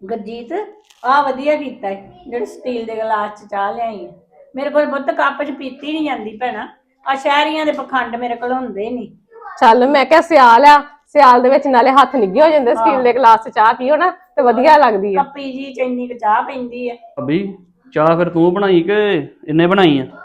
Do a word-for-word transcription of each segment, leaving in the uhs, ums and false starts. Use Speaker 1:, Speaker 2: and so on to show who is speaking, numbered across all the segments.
Speaker 1: ਗੁਰਜੀਤ ਆ ਵਧੀਆ ਕੀਤਾ ਈ, ਜਿਹੜੇ ਸਟੀਲ ਦੇ ਗਲਾਸ ਚ ਚਾਹ ਲਿਆਈ ਆ। ਮੇਰੇ ਕੋਲ ਬੁੱਤ ਕੱਪ ਚ ਪੀਤੀ ਨਹੀਂ ਜਾਂਦੀ ਭੈਣਾ। ਆ ਸ਼ਹਿਰੀਆਂ ਦੇ ਪਖੰਡ ਮੇਰੇ ਕੋਲ ਹੁੰਦੇ ਨਹੀਂ।
Speaker 2: ਚੱਲ ਮੈਂ ਕਿਹਾ ਸਿਆਲ ਆ, ਸਿਆਲ ਦੇ ਵਿੱਚ ਨਾਲੇ ਹੱਥ ਨਿੱਘੇ ਹੋ ਜਾਂਦੇ, ਸਟੀਲ ਦੇ ਗਲਾਸ 'ਚ ਚਾਹ ਪੀਓ ਨਾ ਤੇ ਵਧੀਆ ਲੱਗਦੀ ਆ।
Speaker 1: ਕੱਪੀ ਜੀ ਚ ਇੰਨੀ ਕੁ ਚਾਹ ਪੈਂਦੀ ਆ।
Speaker 3: ਭਾਬੀ ਚਾਹ ਫਿਰ ਤੂੰ ਬਣਾਈ ਕਿ ਇਹਨੇ ਬਣਾਈ ਆ?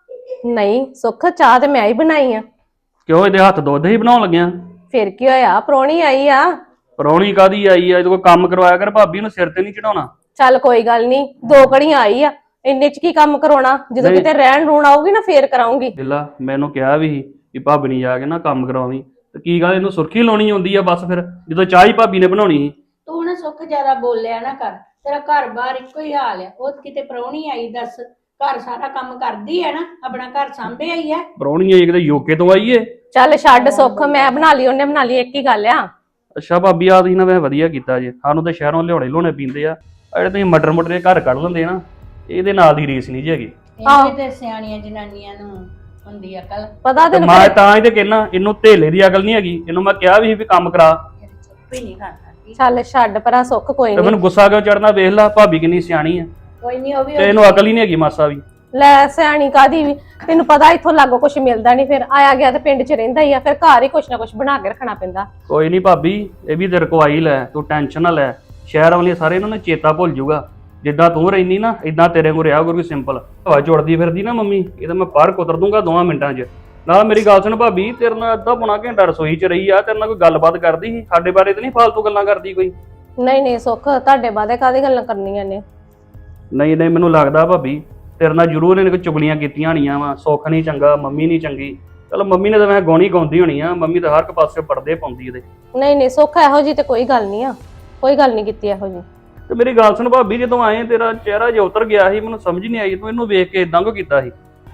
Speaker 2: ਨਹੀਂ ਸੁੱਖ, ਚਾਹ ਤੇ ਮੈਂ ਹੀ ਬਣਾਈ ਆ।
Speaker 3: ਕਿਉਂ ਇਹਦੇ ਹੱਥ ਦੁੱਧ ਹੀ ਬਣਾਉਣ ਲੱਗਿਆ?
Speaker 2: ਫਿਰ ਕੀ ਹੋਇਆ, ਪ੍ਰਾਹੁਣੀ ਆਈ ਆ।
Speaker 3: ਪਰੌਣੀ ਕਾਦੀ ਆਈ ਆ? ਇਹਦੇ ਕੋਲ ਕੰਮ ਕਰਵਾਇਆ ਕਰ, ਭਾਬੀ ਨੂੰ ਸਿਰ ਤੇ ਨਹੀਂ ਚੜਾਉਣਾ।
Speaker 2: ਚੱਲ ਕੋਈ ਗੱਲ ਨਹੀਂ, ਦੋ ਘੜੀਆਂ ਆਈ ਆ, ਇੰਨੇ ਚ ਕੀ ਕੰਮ ਕਰਾਉਣਾ। ਜਦੋਂ
Speaker 3: ਨਹੀਂ।
Speaker 2: ਕਿਤੇ ਰਹਿਣ ਰੂਣ ਆਊਗੀ ਨਾ ਫੇਰ ਕਰਾਉਂਗੀ।
Speaker 3: ਦਿਲਾ ਮੈਨੂੰ ਕਿਹਾ ਵੀ ਸੀ ਕਿ ਭਾਬੀ ਨਹੀਂ ਜਾ ਕੇ ਨਾ ਕੰਮ ਕਰਾਵੀਂ, ਤੇ ਕੀ ਗੱਲ ਇਹਨੂੰ ਸੁਰਖੀ ਲਾਉਣੀ ਆਉਂਦੀ ਆ ਬਸ? ਫਿਰ ਜਦੋਂ ਚਾਹ ਹੀ ਭਾਬੀ ਨੇ ਬਣਾਉਣੀ ਸੀ।
Speaker 1: ਤੂੰ ਨਾ ਸੁੱਖ ਜ਼ਿਆਦਾ ਬੋਲਿਆ ਨਾ ਕਰ, ਤੇਰਾ ਘਰ ਬਾਹਰ ਇੱਕੋ ਹੀ ਹਾਲ ਆ। ਉਹ ਕਿਤੇ ਪ੍ਰਾਹੁਣੀ ਆਈ ਦੱਸ, ਘਰ ਸਾਰਾ ਕੰਮ ਕਰਦੀ ਹੈ ਨਾ, ਆਪਣਾ ਘਰ ਸਾਂਭਿਆ ਹੀ ਆ।
Speaker 3: ਪਰੌਣੀ ਆਈ ਕਿਤੇ ਯੂਕੇ ਤੋਂ ਆਈ ਏ?
Speaker 2: ਚੱਲ ਛੱਡ ਸੁੱਖ, ਮੈਂ ਬਣਾ ਲਈ ਉਹਨੇ ਬਣਾ ਲਈ, ਇੱਕ ਹੀ ਗੱਲ ਆ।
Speaker 3: ਅੱਛਾ ਭਾਬੀ ਆ ਤੁਸੀਂ ਨਾ ਵੈਸੇ ਵਧੀਆ ਕੀਤਾ ਜੇ, ਸਾਨੂੰ ਤੇ ਸ਼ਹਿਰੋਂ ਲਿਆਉਣੇ ਲੋਣੇ ਪੀਂਦੇ ਆ। ਆ ਜਿਹੜੇ ਤੁਸੀਂ ਮਟਰ ਮਟਰ ਦੇ ਘਰ ਕੱਢ ਲੈਂਦੇ ਨਾ, ਇਹਦੇ ਨਾਲ ਦੀ ਰੀਸ ਨਹੀਂ ਜੀ ਹੈਗੀ।
Speaker 1: ਇਹਦੇ ਤੇ ਸਿਆਣੀਆਂ ਜਨਾਨੀਆਂ ਨੂੰ ਹੁੰਦੀ ਅਕਲ।
Speaker 2: ਪਤਾ
Speaker 3: ਤੇ
Speaker 2: ਤੈਨੂੰ
Speaker 3: ਮੈਂ ਤਾਂ ਹੀ ਤੇ ਕਹਿਣਾ, ਇਹਨੂੰ ਧੇਲੇ ਦੀ ਅਕਲ ਨਹੀਂ ਹੈਗੀ। ਇਹਨੂੰ ਮੈਂ ਕਿਹਾ ਵੀ ਸੀ ਵੀ ਕੰਮ ਕਰਾ,
Speaker 1: ਚੁੱਪ ਹੀ ਨਹੀਂ ਕਰਦਾ।
Speaker 2: ਚੱਲ ਛੱਡ ਪਰਾਂ ਸੁੱਖ, ਕੋਈ
Speaker 3: ਤੇ
Speaker 2: ਨਹੀਂ।
Speaker 3: ਮੈਨੂੰ ਗੁੱਸਾ ਕਿਉਂ ਚੜਨਾ? ਵੇਖ ਲੈ ਭਾਬੀ ਕਿੰਨੀ ਸਿਆਣੀ ਆ,
Speaker 1: ਕੋਈ ਨਹੀਂ, ਉਹ ਵੀ
Speaker 3: ਤੇ ਇਹਨੂੰ ਅਕਲ ਹੀ ਨਹੀਂ ਹੈਗੀ ਮਾਸਾ ਵੀ।
Speaker 2: ਲੈ ਸਿਆਣੀ ਕਾਦੀ ਵੀ, ਤੈਨੂੰ ਪਤਾ ਇੱਥੋਂ ਲਾਗੋ ਕੁਛ ਮਿਲਦਾ ਨਹੀਂ, ਫਿਰ ਆਇਆ ਗਿਆ ਤੇ ਪਿੰਡ 'ਚ ਰਹਿੰਦਾ ਹੀ ਆ, ਫਿਰ ਘਰ ਹੀ ਕੁਛ ਨਾ ਕੁਛ ਬਣਾ ਕੇ ਰੱਖਣਾ ਪੈਂਦਾ।
Speaker 3: ਕੋਈ ਨਹੀਂ ਭਾਬੀ, ਇਹ ਵੀ ਤੇ ਰਕਵਾਈ ਲੈ, ਤੂੰ ਟੈਨਸ਼ਨ ਨਾ ਲੈ। ਸ਼ਹਿਰ ਵਾਲੇ ਸਾਰੇ ਇਹਨਾਂ ਨੂੰ ਚੇਤਾ ਭੁੱਲ ਜਾਊਗਾ। ਜਿੱਦਾਂ ਤੂੰ ਰਹਿਨੀ ਨਾ ਇਦਾਂ ਤੇਰੇ ਕੋਲ ਰਿਹਾ ਗੁਰੂ ਸਿੰਪਲ। ਹਵਾ ਚੁੜਦੀ ਫਿਰਦੀ ਨਾ ਮੰਮੀ, ਇਹ ਤਾਂ ਮੈਂ ਬਾਹਰ ਕੁਤਰ ਦੂੰਗਾ ਦੋਵਾਂ ਮਿੰਟਾਂ 'ਚ। ਨਾਲ ਮੇਰੀ ਗੱਲ ਸੁਣ ਭਾਬੀ, ਤੇਰੇ ਨਾਲ ਅੱਧਾ ਪੌਣਾ ਘੰਟਾ ਰਸੋਈ 'ਚ ਰਹੀ ਆ, ਤੇਰੇ ਨਾਲ ਕੋਈ ਗੱਲਬਾਤ ਕਰਦੀ ਸੀ? ਸਾਡੇ ਬਾਰੇ ਤੇ ਨਹੀਂ ਫਾਲਤੂ ਗੱਲਾਂ ਕਰਦੀ ਕੋਈ?
Speaker 2: ਨਹੀਂ ਨਹੀਂ ਸੁੱਖ, ਤੁਹਾਡੇ ਬਾਰੇ ਕਾਹਦੀ ਗੱਲਾਂ ਕਰਨੀਆਂ ਨੇ?
Speaker 3: ਨਹੀਂ ਨਹੀਂ, ਮੈਨੂੰ ਲੱਗਦਾ ਭਾਬੀ ਤੇਰੇ ਨਾਲ ਜ਼ਰੂਰ ਇਹਨੇ ਕੋਈ ਚੁਗਲੀਆਂ ਕੀਤੀਆਂ ਹੋਣੀਆਂ ਵਾ। ਸੁੱਖ ਨਹੀਂ ਚੰਗਾ, ਮੰਮੀ ਨਹੀਂ ਚੰਗੀ। ਚਲੋ ਮੰਮੀ ਨੇ ਤਾਂ ਮੈਂ ਗਾਉਣੀ ਗਾਉਂਦੀ ਹੋਣੀ ਆ, ਮੰਮੀ ਤਾਂ ਹਰ ਇੱਕ ਪਾਸੇ ਪਰਦੇ ਪਾਉਂਦੀ ਇਹਦੇ।
Speaker 2: ਨਹੀਂ ਨਹੀਂ ਸੁੱਖ, ਇਹੋ ਜੀ ਤੇ ਕੋਈ ਗੱਲ ਨਹੀਂ ਆ, ਕੋਈ ਗੱਲ ਨਹੀਂ ਕੀਤੀ ਇਹੋ ਜੀ।
Speaker 3: ਤੇ ਮੇਰੀ ਗੱਲ ਸੁਣ ਭਾਬੀ, ਜਦੋਂ ਆਏ ਤੇਰਾ ਚਿਹਰਾ ਜਿਹਾ ਉਤਰ ਗਿਆ ਸੀ, ਮੈਨੂੰ ਸਮਝ ਨਹੀਂ ਆਈ ਤੂੰ ਇਹਨੂੰ ਵੇਖ ਕੇ ਇਦਾਂ ਕਿਉਂ ਕੀਤਾ ਸੀ?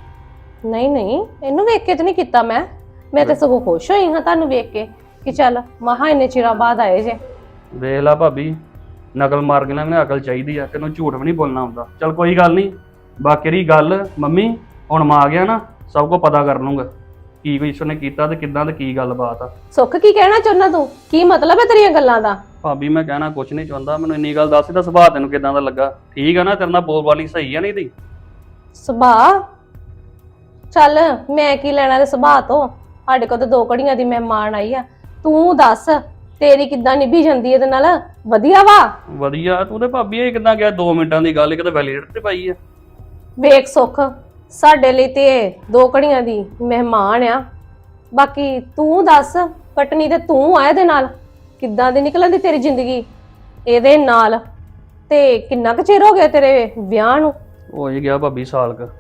Speaker 2: ਨਹੀਂ ਨਹੀਂ, ਇਹਨੂੰ ਵੇਖ ਕੇ ਤੇ ਨਹੀਂ ਕੀਤਾ ਮੈਂ ਮੈਂ ਤੇ ਸਗੋਂ ਖੁਸ਼ ਹੋਈ ਹਾਂ ਤੁਹਾਨੂੰ ਵੇਖ ਕੇ ਕਿ ਚੱਲ ਮਹਾ ਇੰਨੇ ਚਿਰਾਂ ਬਾਅਦ ਆਏ ਜੇ।
Speaker 3: ਵੇਖ ਲਾ ਭਾਬੀ, ਨਕਲ ਮਾਰ ਕੇ ਨਾ ਮੈਨੂੰ ਅਕਲ ਚਾਹੀਦੀ ਆ, ਤੈਨੂੰ ਝੂਠ ਵੀ ਨਹੀਂ ਬੋਲਣਾ ਆਉਂਦਾ। ਚਲ ਕੋਈ ਗੱਲ ਨਹੀਂ, ਬਾਕੀ ਰਹੀ ਗੱਲ ਮੰਮੀ, ਹੁਣ ਮੈਂ ਆ ਗਿਆ ਨਾ, ਸਭ ਕੁਝ ਪਤਾ ਕਰ ਲੂੰਗਾ ਕੀ ਕੋਈ ਇਸਨੇ ਕੀਤਾ ਤੇ ਕਿੱਦਾਂ ਤੇ ਕੀ ਗੱਲਬਾਤ ਆ।
Speaker 2: ਸੁੱਖ, ਕੀ ਕਹਿਣਾ ਚਾਹੁੰਦਾ ਤੂੰ? ਕੀ ਮਤਲਬ ਹੈ ਤੇਰੀਆਂ ਗੱਲਾਂ ਦਾ?
Speaker 3: ਭਾਬੀ ਮੈਂ ਕਹਿਣਾ ਕੁਛ ਨਹੀਂ ਚਾਹੁੰਦਾ, ਮੈਨੂੰ ਇੰਨੀ ਗੱਲ ਦੱਸ ਇਹਦਾ ਸੁਭਾਅ ਤੈਨੂੰ ਕਿੱਦਾਂ ਦਾ ਲੱਗਾ? ਠੀਕ ਆ ਨਾ, ਤੇਰੇ ਨਾਲ ਬੋਲਬਾਲੀ ਸਹੀ ਆ? ਨਹੀਂ ਦੀ
Speaker 2: ਸੁਭਾਅ? ਚੱਲ ਮੈਂ ਕੀ ਲੈਣਾ ਤੇ ਸੁਭਾਅ ਤੋਂ, ਸਾਡੇ ਕੋਲ ਤਾਂ ਦੋ ਘੜੀਆਂ ਦੀ ਮਹਿਮਾਨ ਆਈ ਆ। ਤੂੰ ਦੱਸ ਤੇਰੀ ਕਿੱਦਾਂ ਨਿਭੀ ਜਾਂਦੀ ਇਹਦੇ ਨਾਲ? ਵਧੀਆ ਵਾ?
Speaker 3: ਵਧੀਆ। ਤੂੰ ਤੇ ਭਾਬੀ ਇਹ ਕਿੱਦਾਂ ਗਿਆ? ਦੋ ਮਿੰਟਾਂ ਦੀ ਗੱਲ, ਕਿਤੇ ਵੈਲੀਡੇਟਰ ਤੇ ਪਾਈ ਆ।
Speaker 2: ਵੇਖ ਸੁੱਖ, ਸਾਡੇ ਲਈ ਤੇ ਦੋ ਘੜੀਆਂ ਦੀ ਮਹਿਮਾਨ ਆ, ਬਾਕੀ ਤੂੰ ਦੱਸ, ਕੱਟਣੀ ਤੇ ਤੂੰ ਆ ਇਹਦੇ ਨਾਲ। ਕਿੱਦਾਂ ਦੀ ਨਿਕਲਣ ਦੀ ਤੇਰੀ ਜ਼ਿੰਦਗੀ ਇਹਦੇ ਨਾਲ? ਤੇ ਕਿੰਨਾ ਕੁ ਚਿਰ ਹੋ ਗਿਆ ਤੇਰੇ ਵਿਆਹ ਨੂੰ?
Speaker 3: ਹੋ ਹੀ ਗਿਆ ਭਾਬੀ ਸਾਲ ਕ।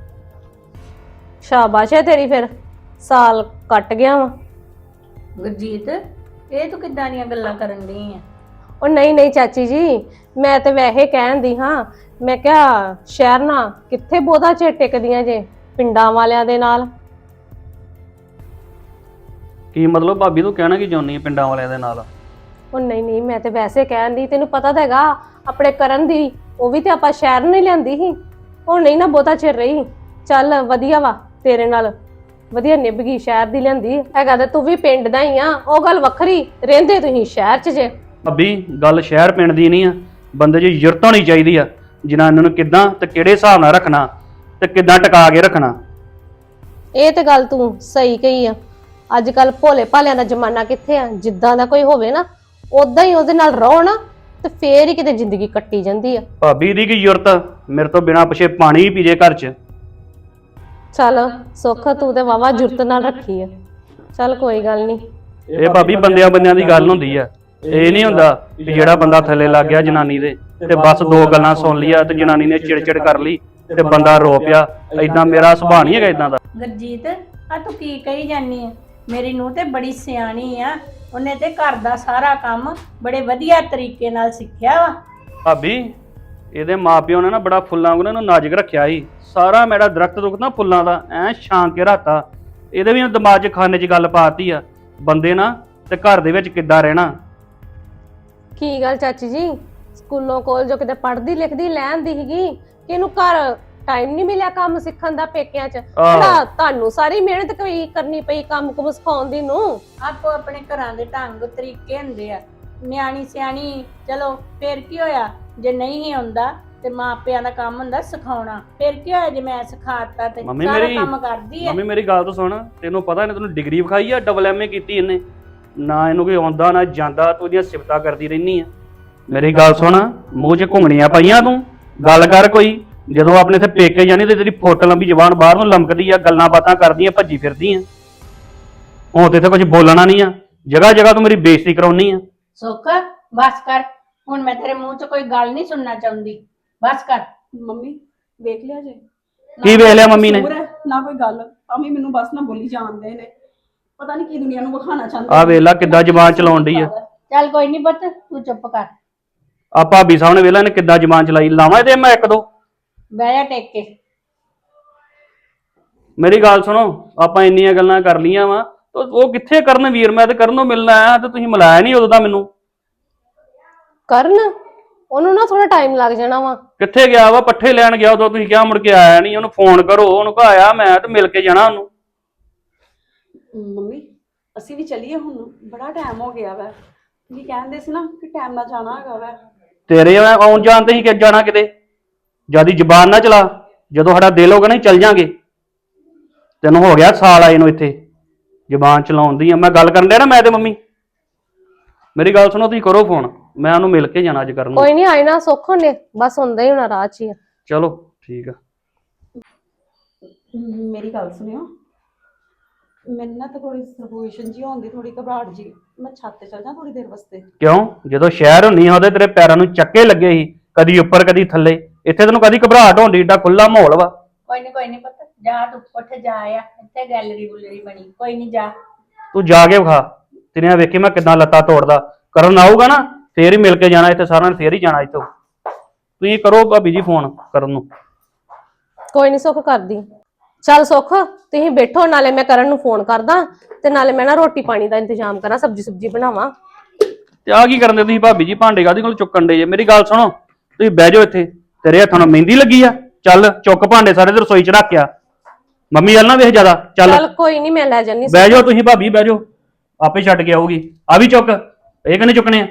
Speaker 2: ਸ਼ਾਬਾਸ਼ ਹੈ ਤੇਰੀ, ਫਿਰ ਸਾਲ ਕੱਟ ਗਿਆ ਵਾ।
Speaker 1: ਗੁਰਜੀਤ, ਇਹ ਤੂੰ ਕਿੱਦਾਂ ਦੀਆਂ ਗੱਲਾਂ ਕਰਨ ਡਈ ਆ?
Speaker 2: ਉਹ ਨਹੀਂ ਨਹੀਂ ਚਾਚੀ ਜੀ, ਮੈਂ ਤੇ ਵੈਸੇ ਕਹਿਣ ਦੀ ਹਾਂ। ਮੈਂ ਕਿਹਾ ਸ਼ਹਿਰ ਨਾ ਕਿੱਥੇ ਬਹੁਤਾ ਚਿਰ ਟਿਕਦੀਆਂ ਜੇ ਪਿੰਡਾਂ ਵਾਲਿਆਂ ਦੇ ਨਾਲ।
Speaker 3: ਕੀ ਮਤਲਬ ਭਾਬੀ ਤੂੰ ਕਹਿਣਾ ਕੀ ਚਾਹੁੰਦੀ ਹੈ ਪਿੰਡਾਂ ਵਾਲਿਆਂ ਦੇ ਨਾਲ?
Speaker 2: ਉਹ ਨਹੀਂ ਨਹੀਂ, ਮੈਂ ਤੇ ਵੈਸੇ ਕਹਿਣ ਦੀ, ਤੈਨੂੰ ਪਤਾ ਤਾਂ ਹੈਗਾ ਆਪਣੇ ਕਰਨ ਦੀ, ਉਹ ਵੀ ਤੇ ਆਪਾਂ ਸ਼ਹਿਰ ਨਹੀਂ ਲਿਆਂਦੀ ਸੀ। ਉਹ ਨਹੀਂ ਨਾ ਬਹੁਤਾ ਚਿਰ ਰਹੀ। ਚੱਲ ਵਧੀਆ ਵਾ, ਤੇਰੇ ਨਾਲ ਵਧੀਆ ਨਿਭ ਗਈ। ਸ਼ਹਿਰ ਦੀ ਲਿਆਂਦੀ ਹੈਗਾ ਤੇ ਤੂੰ ਵੀ ਪਿੰਡ ਦਾ ਹੀ ਆ, ਉਹ ਗੱਲ ਵੱਖਰੀ। ਰਹਿੰਦੇ ਤੁਸੀਂ ਸ਼ਹਿਰ 'ਚ ਜੇ।
Speaker 3: ਭਾਬੀ ਗੱਲ ਸ਼ਹਿਰ ਪਿੰਡ ਦੀ ਨਹੀਂ ਆ, ਬੰਦੇ 'ਚ ਯੁਰਤ ਹੋਣੀ ਚਾਹੀਦੀ ਆ। ਜਨਾਨੀ ਨੂੰ ਕਿੱਦਾਂ ਤੇ ਕਿਹੜੇ ਹਿਸਾਬ ਨਾਲ ਰੱਖਣਾ ਤੇ ਕਿੱਦਾਂ ਟਿਕਾ ਕੇ ਰੱਖਣਾ।
Speaker 2: ਇਹ ਤੇ ਗੱਲ ਤੂੰ ਸਹੀ ਕਹੀ ਆ। ਅੱਜ ਕੱਲ ਭੋਲੇ ਭਾਲਿਆਂ ਦਾ ਜ਼ਮਾਨਾ ਕਿੱਥੇ ਆ? ਜਿੱਦਾਂ ਦਾ ਕੋਈ ਹੋਵੇ ਨਾ ਉਦਾਂ ਹੀ ਉਹਦੇ ਨਾਲ ਰਹੋ ਨਾ, ਤੇ ਫੇਰ ਹੀ ਕਿਤੇ ਜ਼ਿੰਦਗੀ ਕੱਟੀ ਜਾਂਦੀ ਆ।
Speaker 3: ਭਾਬੀ ਦੀ ਕੀ ਯੁਰਤ? ਮੇਰੇ ਤੋਂ ਬਿਨਾਂ ਪੁੱਛੇ ਪਾਣੀ ਹੀ ਪੀਜੇ ਘਰ 'ਚ।
Speaker 2: ਚੱਲ ਸੁੱਖ, ਤੂੰ ਤੇ ਵਾਵਾ ਜੁਰਤ ਨਾਲ ਰੱਖੀ ਆ। ਚੱਲ ਕੋਈ ਗੱਲ ਨਹੀਂ।
Speaker 3: ਇਹ ਭਾਬੀ ਬੰਦਿਆਂ ਬੰਦਿਆਂ ਦੀ ਗੱਲ ਹੁੰਦੀ ਆ। ਇਹ ਨਹੀਂ ਹੁੰਦਾ ਕਿ ਜਿਹੜਾ ਬੰਦਾ ਥੱਲੇ ਲੱਗ ਗਿਆ ਜਨਾਨੀ ਦੇ ਤੇ ਬਸ ਦੋ ਗੱਲਾਂ ਸੁਣ ਲਈਆਂ ਤੇ ਜਨਾਨੀ ਨੇ ਚਿੜਚਿੜ ਕਰ ਲਈ ਤੇ ਬੰਦਾ ਰੋ ਪਿਆ। ਏਦਾਂ ਮੇਰਾ ਸੁਭਾਅ ਨਹੀਂ ਹੈਗਾ ਏਦਾਂ ਦਾ।
Speaker 1: ਗੁਰਜੀਤ, ਆ ਤੂੰ ਕੀ ਕਹੀ ਜਾਨੀ ਆ? ਮੇਰੀ ਨੂੰਹ ਤੇ ਬੜੀ ਸਿਆਣੀ ਆ, ਉਹਨੇ ਤੇ ਘਰ ਦਾ ਸਾਰਾ ਕੰਮ ਬੜੇ ਵਧੀਆ ਤਰੀਕੇ ਨਾਲ ਸਿੱਖਿਆ ਵਾ।
Speaker 3: ਭਾਬੀ ਇਹਦੇ ਮਾਪਿਓ ਨੇ ਨਾ ਬੜਾ ਫੁੱਲਾਂ ਵਾਂਗੂ ਇਹਨੂੰ ਨਾਜ਼ੁਕ ਰੱਖਿਆ ਸੀ। ਸਾਰਾ ਮੇਰਾ ਦਰਖਤ ਦੁਖਤ ਨਾ ਫੁੱਲਾਂ ਦਾ ਐ ਛਾਂ ਕੇ ਰਾਤਾ। ਇਹਦੇ ਵੀ ਦਿਮਾਗ 'ਚ ਖਾਨੇ 'ਚ ਗੱਲ ਪਾਤੀ ਆ ਬੰਦੇ ਨਾ ਤੇ ਘਰ ਦੇ ਵਿੱਚ ਕਿੱਦਾਂ ਰਹਿਣਾ।
Speaker 2: ਕੀ ਗੱਲ ਚਾਚੀ ਜੀ, ਸਕੂਲੋਂ ਕਾਲਜੋਂ ਕਿਤੇ ਪੜ੍ਹਦੀ ਲਿਖਦੀ ਲੈਂਦੀ ਸੀਗੀ ਕਿ ਇਹਨੂੰ ਘਰ ਟਾਈਮ ਨਹੀਂ ਮਿਲਿਆ ਕੰਮ ਸਿੱਖਣ ਦਾ ਪੇਕਿਆਂ 'ਚ? ਜਿਹੜਾ ਤੁਹਾਨੂੰ ਸਾਰੀ ਮਿਹਨਤ ਕੋਈ ਕਰਨੀ ਪਈ ਕੰਮ ਕੁਮ ਸਿਖਾਉਣ ਦੀ ਨੂੰ।
Speaker 1: ਆਪੋ ਆਪਣੇ ਘਰਾਂ ਦੇ ਢੰਗ ਤਰੀਕੇ ਹੁੰਦੇ ਆ। ਨਿਆਣੀ ਸਿਆਣੀ, ਚਲੋ ਫੇਰ ਕੀ ਹੋਇਆ ਜੇ ਨਹੀਂ ਹੀ ਆਉਂਦਾ ਤੇ ਮਾਪਿਆਂ ਦਾ ਕੰਮ ਹੁੰਦਾ ਸਿਖਾਉਣਾ। ਫੇਰ ਕੀ ਹੋਇਆ ਜੇ ਮੈਂ ਸਿਖਾਤਾ ਤੇ
Speaker 3: ਮੰਮੀ
Speaker 1: ਸਾਰਾ
Speaker 3: ਮੇਰੀ-
Speaker 1: ਕੰਮ ਕਰਦੀ ਹੈ।
Speaker 3: ਮੰਮੀ ਮੇਰੀ ਗੱਲ ਤਾਂ ਸੁਣ, ਤੈਨੂੰ ਪਤਾ ਇਹਨੇ ਤੈਨੂੰ ਡਿਗਰੀ ਵਿਖਾਈ ਆ, ਡਬਲ ਐਮ ਏ ਕੀਤੀ ਇਹਨੇ, ਨਾ ਇਹਨੂੰ ਕੋਈ ਆਉਂਦਾ ਨਾ ਜਾਂਦਾ, ਤੂੰ ਇਹਦੀਆਂ ਸਿਫਤਾਂ ਕਰਦੀ ਰਹਿਨੀ ਆ। ਮੇਰੀ ਗੱਲ ਸੁਣ, ਮੂੰਹ 'ਚ ਘੁੰਗਣੀਆਂ ਪਾਈਆਂ ਤੂੰ, ਗੱਲ ਕਰ ਕੋਈ। ਜਦੋਂ ਆਪਣੇ ਇੱਥੇ ਪੇਕੇ ਜਾਣੀ ਤੇ ਤੇਰੀ ਫੁੱਟ ਲੰਬੀ ਜ਼ਬਾਨ ਬਾਹਰ ਨੂੰ ਲਮਕਦੀ ਆ, ਗੱਲਾਂ ਬਾਤਾਂ ਕਰਦੀਆਂ, ਭੱਜੀ ਫਿਰਦੀ ਆ। ਹੁਣ ਤੇ ਇੱਥੇ ਕੁਝ ਬੋਲਣਾ ਨਹੀਂ ਆ, ਜਗ੍ਹਾ ਜਗ੍ਹਾ ਤੂੰ ਮੇਰੀ ਬੇਇੱਜ਼ਤੀ ਕਰਾਉਣੀ ਆ।
Speaker 1: ਸੁੱਖ ਬਸ ਕਰ, ਹੁਣ ਮੈਂ ਤੇਰੇ ਮੂੰਹ 'ਚ ਕੋਈ ਗੱਲ ਨਹੀਂ ਸੁਣਨਾ ਚਾਹੁੰਦੀ, ਬਸ ਕਰ।
Speaker 4: ਮੰਮੀ ਵੇਖ ਲਿਆ ਜੇ
Speaker 3: ਕੀ ਵੇਖ ਲਿਆ ਮੰਮੀ ਨੇ?
Speaker 4: ਕਸੂਰ ਹੈ, ਨਾ ਕੋਈ ਗੱਲ, ਅਮੀ ਮੈਨੂੰ ਬਸ ਨਾ ਬੋਲੀ ਜਾਂਦੇ ਨੇ, ਪਤਾ ਨਹੀਂ ਕੀ ਦੁਨੀਆ ਨੂੰ ਵਿਖਾਣਾ ਚਾਹੁੰਦੇ
Speaker 3: ਆ ਵੇਖ ਲਾ ਕਿੱਦਾਂ ਜ਼ਬਾਨ ਚਲਾਉਣ ਡਈ ਆ।
Speaker 1: ਚੱਲ ਕੋਈ ਨਹੀਂ ਪੁੱਤ, ਤੂੰ ਚੁੱਪ ਕਰ,
Speaker 3: ਆ ਭਾਬੀ ਸਾਹਮਣੇ ਵੇਖ ਲਾ ਇਹਨੇ ਕਿੱਦਾਂ ਜ਼ਬਾਨ ਚਲਾਈ। ਲਾਵਾਂ ਇਹਦੇ ਮੈਂ ਇੱਕ ਦੋ।
Speaker 1: ਬਹਿ ਜਾ ਟੇਕ ਕੇ।
Speaker 3: ਮੇਰੀ ਗੱਲ ਸੁਣੋ, ਆਪਾਂ ਇੰਨੀਆਂ ਗੱਲਾਂ ਕਰ ਲੀਆਂ ਵਾ, ਉਹ ਕਿੱਥੇ ਕਰਨ ਵੀਰ? ਮੈਂ ਤੇ ਕਰਨ ਨੂੰ ਮਿਲਣਾ ਆਇਆ ਤੇ ਤੁਸੀਂ ਮਿਲਾਇਆ ਨਹੀਂ ਉਦੋਂ ਦਾ ਮੈਨੂੰ।
Speaker 2: ਕਰਨ ਉਹਨੂੰ ਨਾ ਥੋੜਾ ਟਾਈਮ ਲੱਗ ਜਾਣਾ ਵਾ।
Speaker 3: ਕਿੱਥੇ ਗਿਆ ਵਾ? ਪੱਠੇ ਲੈਣ ਗਿਆ ਉਦੋਂ, ਤੁਸੀਂ ਕਿਹਾ ਮੁੜ ਕੇ ਆਇਆ ਨਹੀਂ। ਉਹਨੂੰ ਫੋਨ ਕਰੋ, ਉਹਨੂੰ ਕਹ ਆਇਆ ਮੈਂ ਤੇ ਮਿਲ ਕੇ ਜਾਣਾ ਉਹਨੂੰ।
Speaker 4: ਮੰਮੀ ਅਸੀਂ ਵੀ ਚੱਲੀਏ, ਹੁਣ ਬੜਾ ਟਾਈਮ ਹੋ ਗਿਆ ਵਾ, ਤੁਸੀਂ ਕਹਿੰਦੇ ਸੀ ਨਾ ਕਿ ਟਾਈਮ ਨਾਲ ਜਾਣਾ ਹੈਗਾ ਵਾ।
Speaker 3: ਤੇਰੇ ਆਉਣ ਜਾਣ ਤੇ ਹੀ ਕਿ ਜਾਣਾ ਕਿਤੇ, ਜਿਆਦੀ ਜ਼ਬਾਨ ਨਾ ਚਲਾ। ਜਦੋਂ ਸਾਡਾ ਦਿਲ ਹੋਗਾ ਨਹੀਂ ਚੱਲ ਜਾਾਂਗੇ। ਤੈਨੂੰ ਹੋ ਗਿਆ ਸਾਲ ਆਏ ਨੂੰ ਇੱਥੇ, ਜ਼ਬਾਨ ਚਲਾਉਣ ਦੀ ਆ। ਮੈਂ ਗੱਲ ਕਰਨ ਡਿਆ ਨਾ ਮੈਂ ਤੇ ਮੰਮੀ। ਮੇਰੀ ਗੱਲ ਸੁਣੋ, ਤੁਸੀਂ ਕਰੋ ਫੋਨ, ਮੈਂ ਉਹਨੂੰ ਮਿਲ ਕੇ ਜਾਣਾ ਅੱਜ ਕਰਨ ਨੂੰ।
Speaker 2: ਕੋਈ ਨਹੀਂ ਆਏ ਨਾ ਸੁੱਖ ਹੁੰਦੇ, ਬਸ ਹੁੰਦਾ ਹੀ ਹੋਣਾ ਰਾਹ 'ਚ ਹੀ ਆ।
Speaker 3: ਚਲੋ ਠੀਕ ਆ।
Speaker 4: ਮੇਰੀ ਗੱਲ ਸੁਣਿਓ, ਮੈਨੂੰ ਨਾ ਤਾਂ ਥੋੜੀ ਸਰਕੂਲੇਸ਼ਨ ਜੀ ਹੁੰਦੀ, ਥੋੜੀ ਘਬਰਾਹਟ ਜੀ, ਮੈਂ ਛੱਤ ਤੇ ਚੱਲ ਜਾ ਥੋੜੀ ਦੇਰ ਵਾਸਤੇ।
Speaker 3: ਕਿਉਂ? ਜਦੋਂ ਸ਼ਹਿਰ ਹੁੰਨੀ ਆ ਉਹਦੇ ਤੇਰੇ ਪੈਰਾਂ ਨੂੰ ਚੱਕੇ ਲੱਗੇ ਸੀ, ਕਦੀ ਉੱਪਰ ਕਦੀ ਥੱਲੇ। ਇੱਥੇ ਤੈਨੂੰ ਕਦੀ ਘਬਰਾਹਟ ਹੁੰਦੀ? ਏਡਾ ਖੁੱਲਾ ਮਾਹੌਲ ਵਾ।
Speaker 1: ਕੋਈ ਨਹੀਂ ਕੋਈ ਨਹੀਂ ਪੁੱਤ, ਜਾ ਤੂੰ ਉੱਠ ਜਾ ਆ, ਇੱਥੇ ਗੈਲਰੀ ਗੁਲਰੀ ਬਣੀ, ਕੋਈ ਨਹੀਂ ਜਾ।
Speaker 3: ਤੂੰ ਜਾ ਕੇ ਵਿਖਾ, ਤੇਰੀਆਂ ਵੇਖੀ ਮੈਂ ਕਿੱਦਾਂ ਲੱਤਾਂ ਤੋੜਦਾ। ਕਰਨ ਆਊਗਾ ਨਾ ਫੇਰ ਹੀ ਮਿਲ ਕੇ ਜਾਣਾ ਇੱਥੇ, ਸਾਰਿਆਂ ਨੇ ਫੇਰ ਹੀ ਜਾਣਾ ਇੱਥੋਂ। ਤੁਸੀਂ ਕਰੋ ਭਾਬੀ ਜੀ ਫੋਨ ਕਰਨ ਨੂੰ।
Speaker 2: ਕੋਈ ਨਹੀਂ ਸੁੱਖ ਕਰਦੀ। ਚੱਲ ਸੁੱਖ ਤੁਸੀਂ ਬੈਠੋ, ਨਾਲੇ ਮੈਂ ਕਰਨ ਨੂੰ ਫੋਨ ਕਰਦਾ ਤੇ ਨਾਲੇ ਮੈਂ ਨਾ ਰੋਟੀ ਪਾਣੀ ਦਾ ਇੰਤਜ਼ਾਮ ਕਰਾਂ, ਸਬਜ਼ੀ ਸੁਬਜੀ ਬਣਾਵਾਂ।
Speaker 3: ਤੇ ਆ ਕੀ ਕਰਨ ਦੇ ਤੁਸੀਂ ਭਾਬੀ ਜੀ? ਭਾਂਡੇ ਕਾਹਦੇ ਕੋਲ ਚੁੱਕਣ ਦੇ ਜੇ? ਮੇਰੀ ਗੱਲ ਸੁਣੋ, ਤੁਸੀਂ ਬਹਿ ਜਾਓ ਇੱਥੇ। ਤੇਰੇ ਹੱਥਾਂ ਨੂੰ ਮਹਿੰਦੀ ਲੱਗੀ ਆ? ਚੱਲ ਚੁੱਕ ਭਾਂਡੇ ਸਾਰੇ ਤੇ ਰਸੋਈ 'ਚ ਰੱਖਿਆ। ਮੰਮੀ ਵੱਲ ਨਾ ਵੇਖ ਜ਼ਿਆਦਾ। ਚੱਲ
Speaker 2: ਚੱਲ ਕੋਈ ਨਹੀਂ, ਮੈਂ ਲੈ ਜਾਨੀ।
Speaker 3: ਬਹਿ ਜਾਓ ਤੁਸੀਂ ਭਾਬੀ, ਬਹਿ ਜਾਓ, ਆਪੇ ਛੱਡ ਕੇ ਆਊਗੀ। ਆ ਵੀ ਚੁੱਕ, ਇਹ ਕਿਹਨੇ ਚੁੱਕਣੇ ਆ?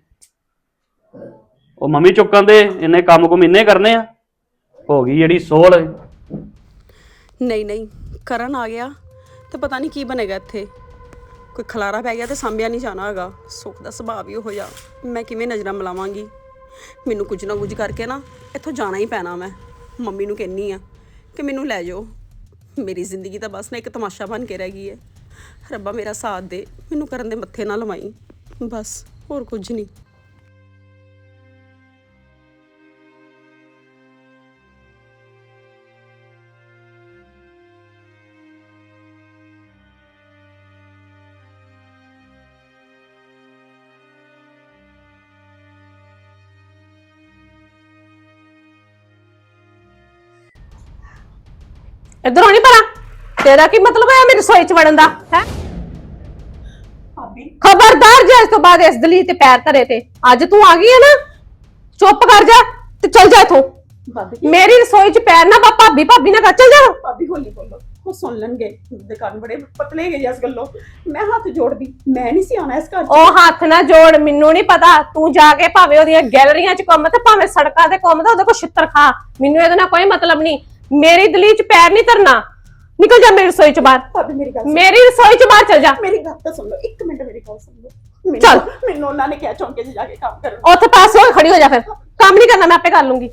Speaker 3: ਉਹ ਮੰਮੀ ਚੁੱਕਣ ਦੇ, ਇੰਨੇ ਕੰਮ ਕੁਮ ਇੰਨੇ ਕਰਨੇ ਆ। ਹੋ ਗਈ ਜਿਹੜੀ ਸੋਲ।
Speaker 4: ਨਹੀਂ ਨਹੀਂ, ਕਰਨ ਆ ਗਿਆ ਤੇ ਪਤਾ ਨਹੀਂ ਕੀ ਬਣੇਗਾ ਇੱਥੇ। ਕੋਈ ਖਲਾਰਾ ਪੈ ਗਿਆ ਤੇ ਸਾਂਭਿਆ ਨਹੀਂ ਜਾਣਾ ਹੈਗਾ। ਸੁੱਖ ਦਾ ਸੁਭਾਅ ਵੀ ਉਹੋ ਜਿਹਾ, ਮੈਂ ਕਿਵੇਂ ਨਜ਼ਰਾਂ ਮਿਲਾਵਾਂਗੀ? ਮੈਨੂੰ ਕੁਝ ਨਾ ਕੁਝ ਕਰਕੇ ਨਾ ਇੱਥੋਂ ਜਾਣਾ ਹੀ ਪੈਣਾ। ਮੈਂ ਮੰਮੀ ਨੂੰ ਕਹਿੰਨੀ ਆ ਕਿ ਮੈਨੂੰ ਲੈ ਜਾਓ। ਮੇਰੀ ਜ਼ਿੰਦਗੀ ਤਾਂ ਬਸ ਨਾ ਇੱਕ ਤਮਾਸ਼ਾ ਬਣ ਕੇ ਰਹਿ ਗਈ ਹੈ। ਰੱਬਾ ਮੇਰਾ ਸਾਥ ਦੇ, ਮੈਨੂੰ ਕਰਨ ਦੇ ਮੱਥੇ ਨਾ ਲਵਾਈ, ਬਸ ਹੋਰ ਕੁਝ ਨਹੀਂ।
Speaker 2: ਇਧਰੋਂ ਨਹੀਂ ਪਰਾਂ, ਤੇਰਾ ਕੀ ਮਤਲਬ ਹੈ ਮੇਰੀ ਰਸੋਈ 'ਚ ਵੜਨ ਦਾ? ਹੈ
Speaker 4: ਭਾਬੀ
Speaker 2: ਖਬਰਦਾਰ, ਜੇ ਇਸ ਤੋਂ ਬਾਅਦ ਇਸ ਦਲੀਤ ਤੇ ਪੈਰ ਧਰੇ ਤੇ। ਅੱਜ ਤੂੰ ਆ ਗਈ ਹੈ ਨਾ, ਚੁੱਪ ਕਰ ਜਾ ਤੇ ਚੱਲ ਜਾ ਇੱਥੋਂ।
Speaker 4: ਭਾਬੀ
Speaker 2: ਮੇਰੀ ਰਸੋਈ 'ਚ ਪੈਰ ਨਾ ਪਾ, ਭਾਬੀ ਭਾਬੀ ਨਾ ਕਰ, ਚੱਲ ਜਾ।
Speaker 4: ਭਾਬੀ ਹੌਲੀ ਬੋਲੋ, ਉਹ ਸੁਣ ਲੈਣਗੇ। ਦੇ ਕੰਨ ਬੜੇ ਪਤਲੇ ਗਏ ਇਸ ਗੱਲੋਂ। ਮੈਂ ਹੱਥ ਜੋੜਦੀ, ਮੈਂ ਨਹੀਂ ਸੀ ਆਉਣਾ ਇਸ ਘਰ 'ਚ।
Speaker 2: ਉਹ ਹੱਥ ਨਾ ਜੋੜ, ਮੈਨੂੰ ਨਹੀਂ ਪਤਾ। ਤੂੰ ਜਾ ਕੇ ਭਾਵੇਂ ਉਹਦੀਆਂ ਗੈਲਰੀਆਂ 'ਚ ਘੁੰਮ ਤੇ ਭਾਵੇਂ ਸੜਕਾਂ ਤੇ ਘੁੰਮ ਤੇ ਉਹਦੇ ਕੋਲ ਛਿੱਤਰ ਖਾ, ਮੈਨੂੰ ਇਹਦੇ ਨਾਲ ਕੋਈ ਮਤਲਬ ਨਹੀਂ। ਮੇਰੀ ਦਲੀਤ 'ਚ ਪੈਰ ਨਹੀਂ ਧਰਨਾ। ਨਿਕਲ ਜਾ ਮੇਰੀ ਰਸੋਈ 'ਚ ਬਾਹਰ।
Speaker 4: ਭਾਬੀ ਮੇਰੀ ਗੱਲ ਸੁਣ,
Speaker 2: ਮੇਰੀ ਰਸੋਈ 'ਚ ਬਾਹਰ ਚੱਲ ਜਾ।
Speaker 4: ਮੇਰੀ ਗੱਲ ਤਾਂ ਸੁਣ ਲਓ, ਇੱਕ ਮਿੰਟ ਮੇਰੀ ਗੱਲ ਸੁਣ ਲਓ। ਮੈਨੂੰ-
Speaker 2: ਚੱਲ।
Speaker 4: ਮੈਨੂੰ ਉਹਨਾਂ ਨੇ ਕਿਹਾ ਚੌਂਕੇ 'ਚ ਜਾ ਕੇ ਕੰਮ ਕਰਨ।
Speaker 2: ਉੱਥੇ ਪਾਸੇ ਹੋ ਕੇ ਖੜੀ ਹੋ ਜਾ, ਫਿਰ ਕੰਮ ਨਹੀਂ ਕਰਨਾ, ਮੈਂ ਆਪੇ ਕਰ ਲੂੰਗੀ।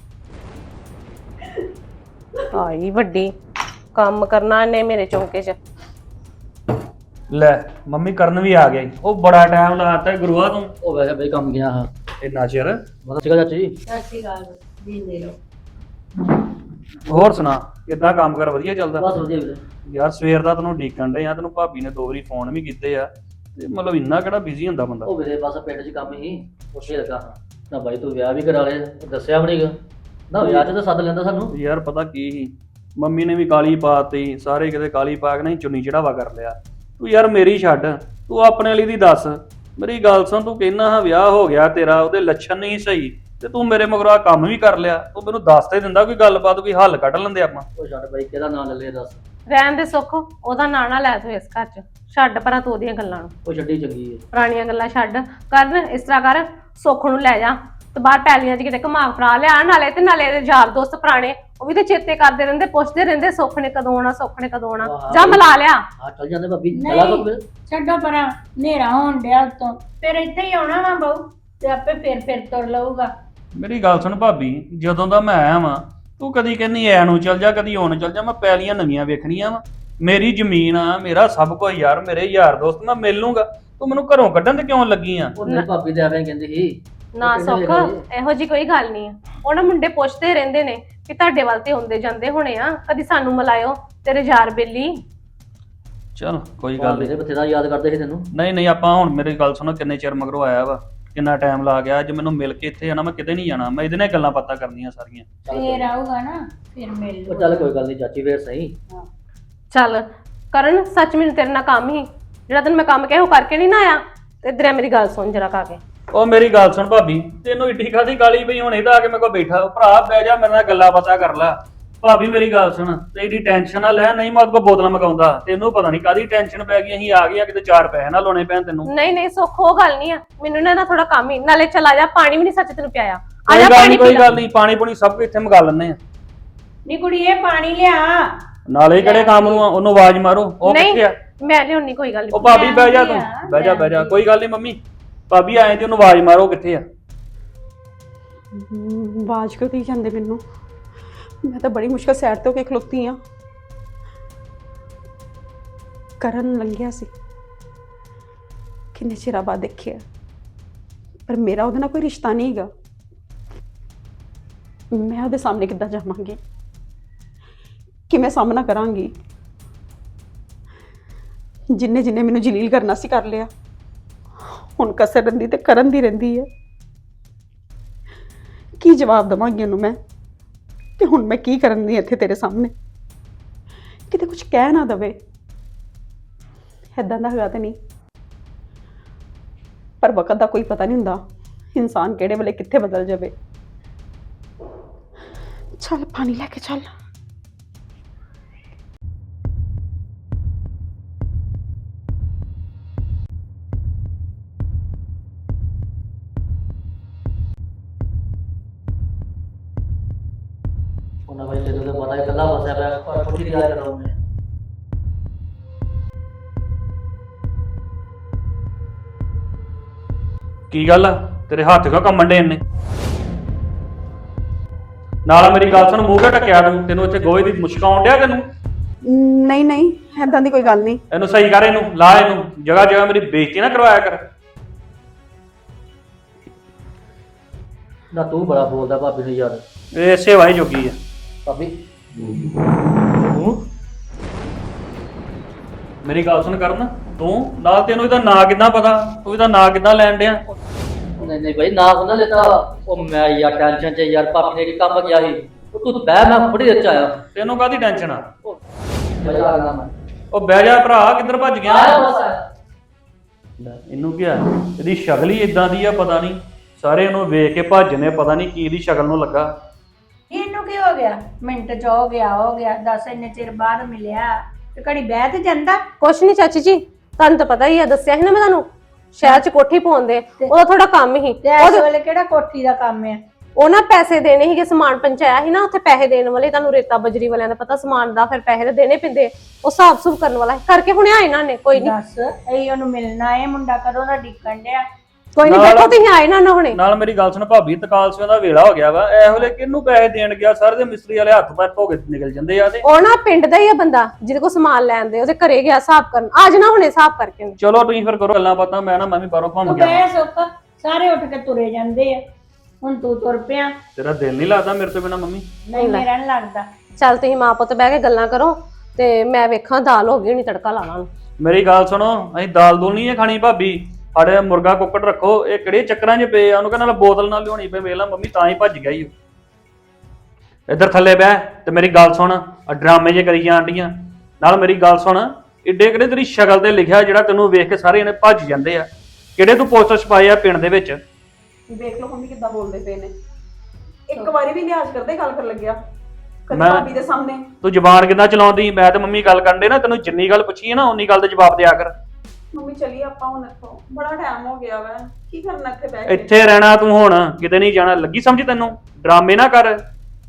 Speaker 2: ਆਈ ਵੱਡੀ, ਕੰਮ ਕਰਨਾ ਇਹਨੇ ਮੇਰੇ ਚੌਂਕੇ 'ਚ।
Speaker 3: ਲੈ ਮੰਮੀ ਕਰਨ ਵੀ ਆ ਗਿਆ ਈ। ਉਹ ਬੜਾ ਟਾਈਮ ਲਾਤਾ ਗੁਰੂਆ ਤੂੰ।
Speaker 5: ਉਹ ਵੈਸੇ ਬਈ ਕੰਮ ਗਿਆ ਹਾਂ।
Speaker 3: ਇੰਨਾ ਚਿਰ।
Speaker 5: ਪਤਾ ਸੀਗਾ ਚਾਚੀ ਜੀ?
Speaker 1: ਸਤਿ ਸ਼੍ਰੀ ਅਕਾਲ, ਜੀਂਦੇ ਰਹੋ।
Speaker 3: ਹੋਰ ਸੁਣਾ, ਕਿੱਦਾਂ ਕੰਮ ਕਰ? ਵਧੀਆ ਚੱਲਦਾ?
Speaker 5: ਬਸ ਵਧੀਆ ਵੀਰੇ।
Speaker 3: ਯਾਰ ਸਵੇਰ ਦਾ ਤੈਨੂੰ ਡੀਕਣ ਡੇ ਆ, ਤੈਨੂੰ ਭਾਬੀ ਨੇ ਦੋ ਵਾਰੀ ਫੋਨ ਵੀ ਕੀਤੇ ਆ, ਤੇ ਮਤਲਬ ਇੰਨਾ ਕਿਹੜਾ ਬਿਜ਼ੀ ਹੁੰਦਾ ਬੰਦਾ?
Speaker 5: ਉਹ ਵੀਰੇ ਬਸ ਪਿੰਡ 'ਚ ਕੰਮ ਹੀ ਉੱਥੇ ਲੱਗਾ ਹਾਂ। ਨਾ ਬਾਈ ਤੂੰ ਵਿਆਹ ਵੀ ਕਰਾ ਲਿਆ, ਦੱਸਿਆ ਵੀ ਨਹੀਂਗਾ ਨਾ। ਵਿਆਹ 'ਚ ਤਾਂ ਸੱਦ ਲੈਂਦਾ ਸਾਨੂੰ।
Speaker 3: ਯਾਰ ਪਤਾ ਕੀ ਸੀ, ਮੰਮੀ ਨੇ ਵੀ ਕਾਲੀ ਪਾਤੀ, ਸਾਰੇ ਕਿਤੇ ਕਾਲੀ ਪਾ ਕੇ ਨਹੀਂ ਚੁੰਨੀ ਚੜਾਵਾ ਕਰ ਲਿਆ। ਤੂੰ ਯਾਰ ਮੇਰੀ ਛੱਡ, ਤੂੰ ਆਪਣੇ ਲਈ ਦੀ ਦੱਸ। ਮੇਰੀ ਗੱਲ ਸੁਣ, ਤੂੰ ਕਹਿਣਾ ਹਾਂ ਵਿਆਹ ਹੋ ਗਿਆ ਤੇਰਾ, ਉਹਦੇ ਲੱਛਣ ਨਹੀਂ ਸਹੀ, ਤੇ ਤੂੰ ਮੇਰੇ ਮਗਰੋਂ ਕੰਮ ਵੀ ਕਰ ਲਿਆ। ਤੂੰ ਮੈਨੂੰ ਦੱਸ ਤੇ ਦਿੰਦਾ ਕੋਈ ਗੱਲਬਾਤ, ਕੋਈ ਹੱਲ ਕੱਢ ਲੈਂਦੇ ਆਪਾਂ।
Speaker 5: ਉਹ ਛੱਡ ਬਾਈ, ਕਿਹਦਾ ਨਾਂ ਲੈ ਲਿਆ ਦੱਸ।
Speaker 2: ਰਹਿਣ ਦੇ ਸੁੱਖ, ਉਹਦਾ ਨਾਂ ਨਾ ਲੈ ਤੂੰ ਇਸ ਘਰ 'ਚ। ਛੱਡ ਪਰਾਂ ਤੂੰ ਉਹਦੀਆਂ ਗੱਲਾਂ ਨੂੰ,
Speaker 5: ਉਹ ਛੱਡੀ ਚੰਗੀ ਹੈ।
Speaker 2: ਪੁਰਾਣੀਆਂ ਗੱਲਾਂ ਛੱਡ। ਕਰ ਇਸ ਤਰ੍ਹਾਂ ਕਰ, ਸੁੱਖ ਨੂੰ ਲੈ ਜਾ ਤੇ ਬਾਹਰ ਪੈਲੀਆਂ 'ਚ ਕਿਤੇ ਘੁਮਾ ਫਰਾ ਲਿਆ, ਨਾਲੇ ਤੇ ਨਾਲੇ ਇਹਦੇ ਯਾਰ ਦੋਸਤ ਪੁਰਾਣੇ ਉਹ ਵੀ ਤੇ ਚੇਤੇ ਕਰਦੇ ਰਹਿੰਦੇ, ਪੁੱਛਦੇ ਰਹਿੰਦੇ ਸੁੱਖ ਨੇ ਕਦੋਂ ਆਉਣਾ, ਸੁੱਖ ਨੇ ਕਦੋਂ ਆਉਣਾ। ਜਾ ਮਿਲਾ ਲਿਆ।
Speaker 5: ਹਾਂ ਚੱਲ ਜਾਂਦੇ ਭਾਬੀ, ਚਲਾ
Speaker 1: ਨਹੀਂ
Speaker 5: ਫਿਰ।
Speaker 1: ਛੱਡੋ ਪਰਾਂ, ਹਨੇਰਾ ਹੋਣ ਡਿਆ ਉੱਤੋਂ, ਫਿਰ ਇੱਥੇ ਹੀ ਆਉਣਾ ਵਾ ਬਹੂ ਤੇ ਆਪੇ ਫਿਰ ਫਿਰ ਤੁਰ ਲਊਗਾ।
Speaker 3: ਮੇਰੀ ਗੱਲ ਸੁਣ ਭਾਬੀ, ਜਦੋਂ ਦਾ ਮੈਂ ਆਇਆ ਵਾਂ ਤੂੰ ਕਦੀ ਕਹਿੰਦੀ ਐ ਨੂੰ ਚੱਲ ਜਾ, ਕਦੀ ਉਹ ਨੂੰ ਚੱਲ ਜਾ। ਮੈਂ ਪੈਲੀਆਂ ਨਵੀਆਂ ਵੇਖਣੀਆਂ ਵਾ, ਮੇਰੀ ਜ਼ਮੀਨ ਆ, ਮੇਰਾ ਸਭ ਕੁਝ ਯਾਰ, ਮੇਰੇ ਯਾਰ ਦੋਸਤ, ਮੈਂ ਮਿਲ ਲੂੰਗਾ। ਤੂੰ ਮੈਨੂੰ ਘਰੋਂ ਕੱਢਣ ਤੇ ਕਿਉਂ ਲੱਗੀ ਆ?
Speaker 5: ਉਹ ਨਹੀਂ ਭਾਬੀ ਤੇ ਐਵੇਂ ਕਹਿੰਦੀ ਸੀ।
Speaker 2: ਨਾ ਸੁੱਖ, ਇਹੋ ਜੀ ਕੋਈ ਗੱਲ ਨਹੀਂ ਆ। ਉਹ ਨਾ ਮੁੰਡੇ ਪੁੱਛਦੇ ਰਹਿੰਦੇ ਨੇ ਕਿ ਤੁਹਾਡੇ ਵੱਲ ਤੇ ਹੁੰਦੇ ਜਾਂਦੇ ਹੋਣੇ ਆ, ਕਦੀ ਸਾਨੂੰ ਮਿਲਾਇਓ ਤੇਰੇ ਯਾਰ ਬੇਲੀ।
Speaker 3: ਚਲ ਕੋਈ ਗੱਲ
Speaker 5: ਮੇਰੇ ਬਥੇਰਾ ਯਾਦ ਕਰਦੇ ਸੀ ਤੈਨੂੰ।
Speaker 3: ਨਹੀਂ ਨਹੀਂ, ਆਪਾਂ ਹੁਣ ਮੇਰੀ ਗੱਲ ਸੁਣੋ, ਕਿੰਨੇ ਚਿਰ ਮਗਰੋਂ ਆਇਆ ਵਾ, ਕਿੰਨਾ ਟਾਈਮ ਲਾ ਗਿਆ। ਅੱਜ ਮੈਨੂੰ ਮਿਲ ਕੇ ਇੱਥੇ ਆਣਾ, ਮੈਂ ਕਿਤੇ ਨਹੀਂ ਜਾਣਾ, ਮੈਂ ਇਹਦੇ ਨਾਲ ਗੱਲਾਂ ਬਾਤਾਂ ਕਰਨੀਆਂ ਸਾਰੀਆਂ।
Speaker 1: ਫੇਰ ਆਊਗਾ ਨਾ, ਫਿਰ ਮਿਲ
Speaker 5: ਉਹ
Speaker 1: ਲਊਗਾ।
Speaker 5: ਚੱਲ ਕੋਈ ਗੱਲ ਨਹੀਂ ਚਾਚੀ, ਫੇਰ ਸਹੀ।
Speaker 2: ਚੱਲ ਕਰਨ, ਸੱਚ ਮੈਨੂੰ ਤੇਰੇ ਨਾਲ ਕੰਮ ਹੀ ਜਿਹੜਾ ਤੈਨੂੰ ਮੈਂ ਕੰਮ ਕਿਹਾ ਉਹ ਕਰਕੇ ਨਹੀਂ ਨਾ ਆਇਆ। ਤੇ ਇਧਰ ਮੇਰੀ ਗੱਲ ਸੁਣ ਜਰਾ ਕਾ ਕੇ।
Speaker 3: ਉਹ ਮੇਰੀ ਗੱਲ ਸੁਣ ਭਾਬੀ, ਤੈਨੂੰ ਇੱਡੀ ਖਾਦੀ ਗਾਲੀ ਪਈ, ਹੁਣ ਇਹਦਾ ਆ ਕੇ ਮੇਰੇ ਕੋਲ ਬੈਠਾ। ਭਰਾ ਬਹਿ ਜਾ, ਮੇਰੇ ਨਾਲ ਗੱਲਾਂ ਬਾਤਾਂ ਕਰ ਲੈ। ਭਾਬੀ ਮੇਰੀ ਗੱਲ ਸੁਣ, ਤੇ ਇਹਦੀ ਟੈਨਸ਼ਨ ਨਾ ਲੈ, ਨਹੀਂ ਮੈਂ ਉਹਦੇ ਕੋਲ ਬੋਤਲਾਂ ਮਗਾਉਂਦਾ। ਤੈਨੂੰ ਪਤਾ ਨਹੀਂ ਕਾਦੀ ਟੈਨਸ਼ਨ ਪੈ ਗਈ, ਅਸੀਂ ਆ ਗਏ ਆ, ਕਿਤੇ ਚਾਰ ਪੈਸੇ ਨਾ ਲਾਉਣੇ ਪੈਣ ਤੈਨੂੰ।
Speaker 2: ਨਹੀਂ ਨਹੀਂ ਸੁੱਖ, ਉਹ ਗੱਲ ਨਹੀਂ ਆ, ਮੈਨੂੰ ਨਾ ਥੋੜਾ ਕੰਮ ਹੀ। ਨਾਲੇ ਚਲਾ ਜਾ, ਪਾਣੀ ਵੀ ਨਹੀਂ ਸੱਚ ਤੈਨੂੰ ਪਿਆਇਆ। ਆ
Speaker 3: ਕੋਈ
Speaker 2: ਜਾ
Speaker 3: ਗੱਲ
Speaker 2: ਪਾਣੀ
Speaker 3: ਨਹੀਂ,
Speaker 2: ਪੀ
Speaker 3: ਕੋਈ
Speaker 2: ਲੈ।
Speaker 3: ਗੱਲ ਨਹੀਂ, ਪਾਣੀ ਪੂਣੀ ਸਭ ਕੁਝ ਇੱਥੇ ਮੰਗਾ ਲੈਣੇ ਆ।
Speaker 1: ਨੀ ਕੁੜੀਏ ਪਾਣੀ ਲਿਆ।
Speaker 3: ਨਾਲੇ ਕਿਹੜੇ ਕੰਮ ਨੂੰ ਆ, ਉਹਨੂੰ ਆਵਾਜ਼ ਮਾਰੋ। ਉਹ
Speaker 2: ਨਹੀਂ
Speaker 3: ਕਿੱਥੇ ਆ?
Speaker 2: ਮੈਂ ਲਿਆਉਣੀ, ਕੋਈ ਗੱਲ
Speaker 3: ਉਹ
Speaker 2: ਨਹੀਂ।
Speaker 3: ਭਾਬੀ ਬਹਿ ਜਾ ਤੂੰ, ਬਹਿ ਜਾ ਬਹਿ ਜਾ, ਕੋਈ ਗੱਲ ਨਹੀਂ ਮੰਮੀ। ਭਾਬੀ ਆਏ ਤੇ ਉਹਨੂੰ ਆਵਾਜ਼ ਮਾਰੋ, ਕਿੱਥੇ ਆ?
Speaker 4: ਆਵਾਜ਼ ਕਿਉਂ ਦੇਈ ਜਾਂਦੇ ਮੈਨੂੰ? ਮੈਂ ਤਾਂ ਬੜੀ ਮੁਸ਼ਕਲ ਸਾਈਡ ਤੋਂ ਕੇ ਖਲੋਤੀ ਆ। ਕਰਨ ਲੰਘਿਆ ਸੀ, ਕਿੰਨੇ ਚਿਰ ਬਾਅਦ ਦੇਖਿਆ, ਪਰ ਮੇਰਾ ਉਹਦੇ ਨਾਲ ਕੋਈ ਰਿਸ਼ਤਾ ਨਹੀਂ ਹੈਗਾ। ਮੈਂ ਉਹਦੇ ਸਾਹਮਣੇ ਕਿੱਦਾਂ ਜਾਵਾਂਗੀ, ਕਿਵੇਂ ਸਾਹਮਣਾ ਕਰਾਂਗੀ? ਜਿੰਨੇ ਜਿੰਨੇ ਮੈਨੂੰ ਜਲੀਲ ਕਰਨਾ ਸੀ ਕਰ ਲਿਆ, ਹੁਣ ਕਸਰ ਰਹਿੰਦੀ ਤੇ ਕਰਨ ਦੀ ਰਹਿੰਦੀ ਹੈ। ਕੀ ਜਵਾਬ ਦੇਵਾਂਗੀ ਉਹਨੂੰ ਮੈਂ? ਤੇ ਹੁਣ ਮੈਂ ਕੀ ਕਰਨ ਦੀ ਇੱਥੇ ਤੇਰੇ ਸਾਹਮਣੇ? ਕਿਤੇ ਕੁਝ ਕਹਿ ਨਾ ਦਵੇ, ਏਦਾਂ ਦਾ ਹੈਗਾ ਤੇ ਨਹੀਂ। ਪਰ ਵਕਤ ਦਾ ਕੋਈ ਪਤਾ ਨਹੀਂ ਹੁੰਦਾ, ਇਨਸਾਨ ਕਿਹੜੇ ਵੇਲੇ ਕਿੱਥੇ ਬਦਲ ਜਾਵੇ। ਚੱਲ ਪਾਣੀ ਲੈ ਕੇ ਚੱਲ।
Speaker 5: ਉਹਨਾਂ ਬਾਈ ਤੈਨੂੰ ਤਾਂ ਪਤਾ ਹੀ, ਇਕੱਲਾ ਫਸਿਆ ਪਿਆ, ਪਰ ਪੁੱਛੀ ਦੀ ਗੱਲ ਕਰਾਂ ਮੈਂ।
Speaker 3: ਕੀ ਗੱਲ ਆ, ਤੇਰੇ ਹੱਥ ਕਿਉਂ ਕੰਮਣ ਡੇ ਨੇ? ਨਾਲ ਮੇਰੀ ਗੱਲ ਸੁਣ, ਮੂੰਹ ਕਿਉਂ ਢੱਕਿਆ ਤੂੰ? ਤੈਨੂੰ ਇੱਥੇ ਗੋਹੇ ਦੀ ਮੁਸ਼ਕ ਆਉਣ ਡਿਆ ਤੈਨੂੰ?
Speaker 4: ਨਹੀਂ ਨਹੀਂ, ਏਦਾਂ ਦੀ ਕੋਈ ਗੱਲ ਨਹੀਂ।
Speaker 3: ਇਹਨੂੰ ਸਹੀ ਕਰ, ਇਹਨੂੰ ਲਾ, ਇਹਨੂੰ ਜਗ੍ਹਾ ਜਗ੍ਹਾ ਮੇਰੀ ਬੇਇੱਜ਼ਤੀ ਨਾ ਕਰਵਾਇਆ ਕਰ।
Speaker 5: ਨਾ ਤੂੰ ਬੜਾ ਬੋਲਦਾ ਭਾਬੀ ਨੂੰ ਯਾਰ।
Speaker 3: ਇਹ ਸੇਵਾ ਹੀ ਜੋਗੀ ਆ
Speaker 5: ਭਾਬੀ
Speaker 3: ਤੂੰ। ਮੇਰੀ ਗੱਲ ਸੁਣ ਕਰਨ, ਤੂੰ ਨਾਲ ਤੈਨੂੰ ਇਹਦਾ ਨਾਂ ਕਿੱਦਾਂ ਪਤਾ? ਤੂੰ ਇਹਦਾ ਨਾਂ ਕਿੱਦਾਂ ਲੈਣ ਡਿਆ?
Speaker 5: ਨਹੀਂ ਨਹੀਂ ਭਾਈ, ਨਾ ਹੁੰਦਾ ਲੈਤਾ। ਉਹ ਮੈਂ ਯਾਰ ਟੈਨਸ਼ਨ ਚ ਯਾਰ, ਭਾਬੀ ਨੇ ਕੀ ਕੰਮ ਗਿਆ ਸੀ। ਉਹ ਤੂੰ ਬਹਿ, ਮੈਂ ਬੜੀ ਦੇਰ ਚ ਆਇਆ।
Speaker 3: ਤੈਨੂੰ ਕਾਹਦੀ ਟੈਨਸ਼ਨ ਆ?
Speaker 5: ਮਜ਼ਾ ਆ ਗਿਆ ਮੈਂ।
Speaker 3: ਉਹ ਬਹਿ ਜਾ ਭਰਾ, ਕਿੱਧਰ ਭੱਜ ਗਿਆ?
Speaker 5: ਆਇਆ ਬਸ ਆਇਆ।
Speaker 3: ਲੈ, ਇਹਨੂੰ ਕੀ ਆ? ਇਹਦੀ ਸ਼ਕਲ ਹੀ ਇਦਾਂ ਦੀ ਆ, ਪਤਾ ਨਹੀਂ। ਸਾਰੇ ਇਹਨੂੰ ਵੇਖ ਕੇ ਭੱਜਨੇ, ਪਤਾ ਨਹੀਂ ਕੀ ਇਹਦੀ ਸ਼ਕਲ ਨੂੰ ਲੱਗਾ।
Speaker 1: ਇਹਨੂੰ ਕੀ ਹੋ ਗਿਆ? ਮਿੰਟ ਚ ਹੋ ਗਿਆ ਹੋ ਗਿਆ, ਦੱਸ ਇੰਨੇ ਚਿਰ ਬਾਅਦ ਮਿਲਿਆ ਤੇ ਘੜੀ ਬਹਿ ਤੇ ਜਾਂਦਾ।
Speaker 2: ਕੁਛ ਨਹੀਂ ਚਾਚੀ ਜੀ, ਤੁਹਾਨੂੰ ਤਾਂ ਪਤਾ ਹੀ ਆ, ਦੱਸਿਆ ਸੀ ਨਾ ਮੈਂ ਤੁਹਾਨੂੰ, ਸ਼ਹਿਰ 'ਚ ਕੋਠੀ ਪਾਉਂਦੇ, ਉਹਦਾ ਥੋੜਾ ਕੰਮ ਹੀ।
Speaker 1: ਤੇ ਇਸ ਵੇਲੇ ਕਿਹੜਾ ਕੋਠੀ ਦਾ ਕੰਮ ਹੈ?
Speaker 2: ਉਹ ਨਾ ਪੈਸੇ ਦੇਣੇ ਸੀਗੇ, ਸਮਾਨ ਪਹੁੰਚਾਇਆ ਸੀ ਨਾ, ਉੱਥੇ ਪੈਸੇ ਦੇਣ ਵਾਲੇ, ਤੁਹਾਨੂੰ ਰੇਤਾ ਬਜਰੀ ਵਾਲਿਆਂ ਦਾ ਪਤਾ, ਸਮਾਨ ਦਾ ਫਿਰ ਪੈਸੇ ਤਾਂ ਦੇਣੇ ਪੈਂਦੇ, ਉਹ ਹਿਸਾਬ ਸੁਭ ਕਰਨ ਵਾਲਾ ਕਰਕੇ ਹੁਣੇ ਆਏ ਇਹਨਾਂ ਨੇ। ਕੋਈ ਨਹੀਂ,
Speaker 1: ਦੱਸ ਇਹ ਉਹਨੂੰ ਮਿਲਣਾ ਹੈ, ਮੁੰਡਾ ਕਦੋਂ ਦਾ ਡਿੱਕਣ ਡਿਆ।
Speaker 2: ਕੋਈ ਨਹੀਂ, ਦੇਖੋ ਤੁਸੀਂ ਆਏ ਨਾ ਨਾ ਹੁਣੇ।
Speaker 3: ਨਾਲ ਮੇਰੀ ਗੱਲ ਸੁਣ ਭਾਬੀ, ਤਕਾਲ ਸਿਆਂ ਦਾ ਵੇਲਾ ਹੋ ਗਿਆ ਵਾ, ਇਹ ਵੇਲੇ ਕਿਹਨੂੰ ਪੈਸੇ ਦੇਣ ਗਿਆ? ਸਾਰੇ ਦੇ ਮਿਸਤਰੀ ਵਾਲੇ ਹੱਥ ਪੈਰ ਧੋ ਕੇ ਨਿਕਲ ਜਾਂਦੇ ਆ। ਤੇ
Speaker 2: ਉਹ ਨਾ ਪਿੰਡ ਦਾ ਹੀ ਆ ਬੰਦਾ, ਜਿਹਦੇ ਕੋਲ ਸਮਾਨ ਲੈਣ ਦੇ, ਉਹਦੇ ਘਰੇ ਗਿਆ ਹਿਸਾਬ ਕਰਨ। ਅੱਜ ਨਾ ਹੁਣੇ ਹਿਸਾਬ ਕਰਕੇ।
Speaker 3: ਚਲੋ ਤੁਸੀਂ ਫਿਰ ਕਰੋ ਗੱਲਾਂ ਬਾਤਾਂ, ਮੈਂ ਨਾ ਮੈਂ ਵੀ ਬਾਹਰੋਂ ਘੁੰਮ
Speaker 1: ਤੂੰ
Speaker 3: ਗਿਆ।
Speaker 1: ਬਹਿ ਸੁੱਕ, ਸਾਰੇ ਉੱਠ ਕੇ ਤੁਰੇ ਜਾਂਦੇ ਆ, ਹੁਣ ਤੂੰ ਤੁਰ ਪਿਆ।
Speaker 3: ਤੇਰਾ ਦਿਲ ਨਹੀਂ ਲੱਗਦਾ ਮੇਰੇ ਤੋਂ ਬਿਨਾ ਮੰਮੀ?
Speaker 1: ਨਹੀਂ ਮੇਰਾ ਨਹੀਂ ਲੱਗਦਾ।
Speaker 2: ਚੱਲ ਤੁਸੀਂ ਮਾਂ ਪੁੱਤ ਬਹਿ ਕੇ ਗੱਲਾਂ ਕਰੋ, ਤੇ ਮੈਂ ਵੇਖਾਂ ਦਾਲ ਹੋ ਗਈ ਹੋਣੀ, ਤੜਕਾ ਲਾ ਲਾਂ।
Speaker 3: ਮੇਰੀ ਗੱਲ ਸੁਣੋ, ਅਸੀਂ ਦਾਲ ਦੂਲ ਨਹੀਂ ਖਾਣੀ ਭਾਬੀ। ਸਾਡੇ ਮੁਰਗਾ ਕੁੱਕੜ ਰੱਖੋ, ਇਹ ਕਿਹੜੇ ਚੱਕਰਾਂ 'ਚ ਪਏ ਆ? ਉਹਨੂੰ ਕਹਿੰਦਾ ਬੋਤਲ ਨਾਲ ਲਿਆਉਣੀ ਪਈ, ਵੇਖ ਲਾ ਮੰਮੀ ਤਾਂ ਹੀ ਭੱਜ ਗਿਆ ਹੀ। ਇੱਧਰ ਥੱਲੇ ਬਹਿ ਤੇ ਮੇਰੀ ਗੱਲ ਸੁਣ, ਆ ਡਰਾਮੇ ਜੇ ਕਰੀ ਜਾਣ ਡੀਆਂ। ਨਾਲ ਮੇਰੀ ਗੱਲ ਸੁਣ, ਏਡੇ ਕਿਹੜੇ ਤੇਰੀ ਸ਼ਕਲ ਤੇ ਲਿਖਿਆ ਜਿਹੜਾ ਤੈਨੂੰ ਵੇਖ ਕੇ ਸਾਰੇ ਜਣੇ ਭੱਜ ਜਾਂਦੇ ਆ? ਕਿਹੜੇ ਤੂੰ ਪੋਸਟਰ ਛਪਾਏ ਆ ਪਿੰਡ ਦੇ ਵਿੱਚ?
Speaker 4: ਵੇਖ ਲਓ ਮੰਮੀ ਕਿੱਦਾਂ ਬੋਲਦੇ ਪਏ ਨੇ, ਇੱਕ ਵਾਰੀ ਵੀ ਲਿਹਾਜ਼ ਕਰਦੇ ਗੱਲ ਕਰਨ ਲੱਗਿਆ। ਕਦੇ
Speaker 3: ਮੈਂ-
Speaker 4: ਭਾਬੀ ਦੇ ਸਾਹਮਣੇ।
Speaker 3: ਤੂੰ ਜ਼ਬਾਨ ਕਿੱਦਾਂ ਚਲਾਉਂਦੀ? ਮੈਂ ਤੇ ਮੰਮੀ ਗੱਲ ਕਰਨ ਦੇ ਨਾ, ਤੈਨੂੰ ਜਿੰਨੀ ਗੱਲ ਪੁੱਛੀ ਹੈ ਨਾ ਉਨੀ ਗੱਲ ਦਾ ਜਵਾਬ ਦਿਆ ਕਰ।
Speaker 4: ਮੰਮੀ ਚਲੀ ਆਪਾਂ ਹੁਣ ਇੱਥੋਂ, ਬੜਾ ਟਾਈਮ ਹੋ ਗਿਆ ਵਾ, ਕੀ ਕਰਨਾ ਇੱਥੇ ਬਹਿ ਕੇ।
Speaker 3: ਇੱਥੇ ਰਹਿਣਾ ਤੂੰ ਹੁਣ, ਕਿਤੇ ਨਹੀਂ ਜਾਣਾ। ਲੱਗੀ ਸਮਝ ਤੈਨੂੰ? ਡਰਾਮੇ ਨਾ ਕਰ।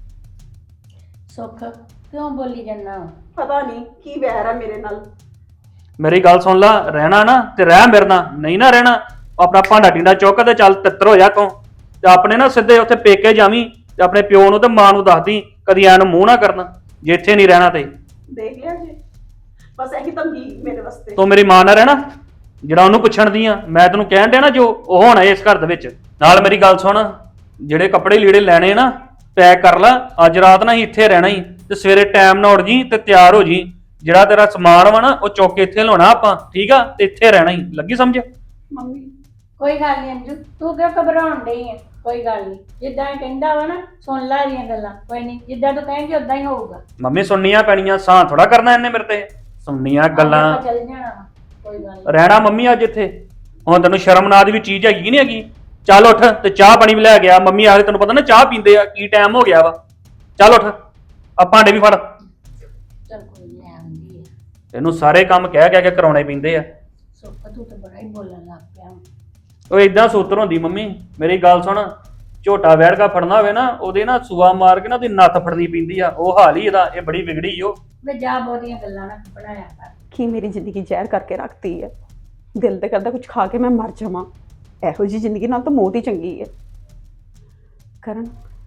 Speaker 1: ਸੁੱਖ ਕਿਉਂ ਬੋਲੀ ਜਾਂਦਾ?
Speaker 4: ਪਤਾ ਨਹੀਂ ਕੀ ਵੈਰ ਆ ਮੇਰੇ ਨਾਲ।
Speaker 3: ਮੇਰੀ ਗੱਲ ਸੁਣ ਲੈ, ਰਹਿਣਾ ਨਾ ਤੇ ਰਹਿ ਮੇਰੇ ਨਾਲ, ਨਹੀਂ ਨਾ ਰਹਿਣਾ ਆਪਣਾ ਭਾਂਡਾ ਟਿੰਡਾ ਚੁੱਕ ਤੇ ਚੱਲ ਤਿੱਤਰ ਹੋ ਜਾ ਤੂੰ। ਤੇ ਆਪਣੇ ਨਾ ਸਿੱਧੇ ਉੱਥੇ ਪੇਕੇ ਜਾਵੀਂ ਤੇ ਆਪਣੇ ਪਿਓ ਨੂੰ ਤੇ ਮਾਂ ਨੂੰ ਦੱਸਦੀ, ਕਦੀ ਐਨ ਮੂੰਹ ਨਾ ਕਰਨਾ ਜੇ ਇੱਥੇ ਨਹੀਂ ਰਹਿਣਾ ਤੇ।
Speaker 4: ਦੇਖ ਲਿਆ ਜੀ, ਬਸ ਇਹੀ ਤੰਗੀ ਮੇਰੇ ਵਾਸਤੇ।
Speaker 3: ਤੂੰ ਮੇਰੀ ਮਾਂ ਨਾਲ ਰਹਿਣਾ ਜਿਹੜਾ ਉਹਨੂੰ ਪੁੱਛਣ ਦੀ ਆ। ਮੈਂ ਤੈਨੂੰ ਕਹਿਣ ਡਿਆ ਨਾ ਜੋ ਉਹ ਹੋਣਾ ਇਸ ਘਰ ਦੇ ਵਿੱਚ। ਨਾਲ ਮੇਰੀ ਗੱਲ ਸੁਣ, ਜਿਹੜੇ ਕੱਪੜੇ ਲੀੜੇ ਲੈਣੇ ਨਾ ਪੈਕ ਕਰ ਲੈ। ਅੱਜ ਰਾਤ ਨਾ ਹੀ ਇੱਥੇ ਰਹਿਣਾ ਹੀ ਤੇ ਸਵੇਰੇ ਟਾਈਮ ਨਾਲ ਉੱਠ ਜੀ ਤੇ ਤਿਆਰ ਹੋ ਜੀ। ਜਿਹੜਾ ਤੇਰਾ ਸਮਾਨ ਵਾ ਨਾ ਉਹ ਚੁੱਕ ਕੇ ਇੱਥੇ ਲਾਉਣਾ ਆਪਾਂ, ਠੀਕ ਆ? ਤੇ ਇੱਥੇ ਰਹਿਣਾ ਹੀ। ਲੱਗੀ ਸਮਝ?
Speaker 4: ਮੰਮੀ
Speaker 1: ਕੋਈ ਗੱਲ ਨਹੀਂ ਅੰਜੂ, ਤੂੰ ਕਿਉਂ ਘਬਰਾਉਣ ਡਈ ਹੈ? ਕੋਈ ਗੱਲ ਨਹੀਂ, ਜਿੱਦਾਂ ਇਹ ਕਹਿੰਦਾ ਵਾ ਨਾ ਸੁਣ ਲੈ ਇਹਦੀਆਂ ਗੱਲਾਂ। ਕੋਈ ਨਹੀਂ, ਜਿੱਦਾਂ ਤੂੰ ਕਹੇਂਗੀ ਉਦਾਂ ਹੀ ਹੋਊਗਾ।
Speaker 3: ਮੰਮੀ ਸੁਣਨੀਆਂ ਪੈਣੀਆਂ, ਸਾਂ ਥੋੜਾ ਕਰਨਾ ਇਹਨੇ ਮੇਰੇ ਤੇ। ਸੁਣਨੀਆਂ ਗੱਲਾਂ।
Speaker 1: ਆਪਾਂ ਚੱਲ ਜਾਣਾ ਵਾ, ਕੋਈ ਗੱਲ ਨਹੀਂ।
Speaker 3: ਰਹਿਣਾ ਮੰਮੀ ਅੱਜ ਇੱਥੇ। ਹੁਣ ਤੈਨੂੰ ਸ਼ਰਮ ਨਾਦ ਵੀ ਚੀਜ਼ ਹੈਗੀ ਕਿ ਨਹੀਂ ਹੈਗੀ? ਚੱਲ ਉੱਠ ਤੇ ਚਾਹ ਪਾਣੀ ਵੀ ਲੈ ਗਿਆ। ਮੰਮੀ ਆਖਦੇ ਤੈਨੂੰ ਪਤਾ ਨਾ ਚਾਹ ਪੀਂਦੇ ਆ, ਕੀ ਟਾਈਮ ਹੋ ਗਿਆ ਵਾ। ਚੱਲ ਉੱਠ, ਆ ਭਾਂਡੇ ਵੀ ਫੜ।
Speaker 1: ਚੱਲ ਕੋਈ ਨੀ, ਲੈ ਆਉਂਦੀ ਹੈ।
Speaker 3: ਇਹਨੂੰ ਸਾਰੇ ਕੰਮ ਕਹਿ ਕਹਿ ਕੇ ਕਰਾਉਣੇ ਪੈਂਦੇ ਆ।
Speaker 1: ਸੁੱਖ ਤੂੰ ਤਾਂ ਬੜਾ ਹੀ ਬੋਲਣ ਲੱਗ ਪਿਆ।
Speaker 3: ਉਹ ਇਦਾਂ ਸੂਤਰ ਹੁੰਦੀ ਮੰਮੀ। ਮੇਰੀ ਗੱਲ ਸੁਣ, ਝੋਟਾ ਵੈੜਕਾ ਫੜਨਾ ਹੋਵੇ ਨਾ ਉਹਦੇ ਨਾ ਸੂਆ ਮਾਰ ਕੇ ਨਾ ਉਹਦੀ ਨੱਥ ਫੜਨੀ ਪੈਂਦੀ ਆ। ਉਹ ਹਾਲ ਹੀ ਇਹਦਾ, ਇਹ ਬੜੀ ਵਿਗੜੀ ਓ।
Speaker 1: ਵੇ ਜਾ ਬਹੁਤੀਆਂ ਗੱਲਾਂ ਨਾ ਬਣਾਇਆ ਕਰ।
Speaker 4: ਕੀ ਮੇਰੀ ਜ਼ਿੰਦਗੀ ਜ਼ਹਿਰ ਕਰਕੇ ਰੱਖਤੀ ਹੈ। ਦਿਲ ਤੇ ਕਰਦਾ ਕੁਝ ਖਾ ਕੇ ਮੈਂ ਮਰ ਜਾਵਾਂ। ਇਹੋ ਜਿਹੀ ਜ਼ਿੰਦਗੀ ਨਾਲ ਤਾਂ ਮੌਤ ਹੀ ਚੰਗੀ ਹੈ। ਕਰਨ,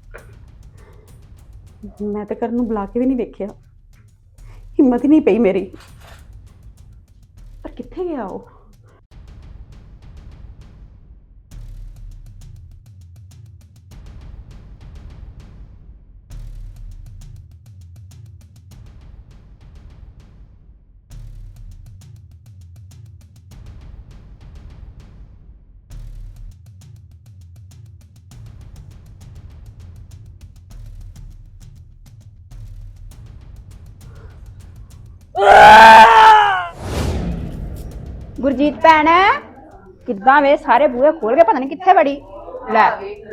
Speaker 4: ਮੈਂ ਤਾਂ ਕਰਨ ਨੂੰ ਬੁਲਾ ਕੇ ਵੀ ਨਹੀਂ ਵੇਖਿਆ, ਹਿੰਮਤ ਹੀ ਨਹੀਂ ਪਈ ਮੇਰੀ। ਪਰ ਕਿੱਥੇ ਗਿਆ ਉਹ?
Speaker 6: ਗੁਰਜੀਤ ਭੈਣ ਕਿੱਦਾਂ ਵੇ? ਸਾਰੇ ਬੂਹੇ ਖੋਲ ਕੇ ਪਤਾ ਨਹੀਂ ਕਿੱਥੇ ਵੜੀ। ਲੈ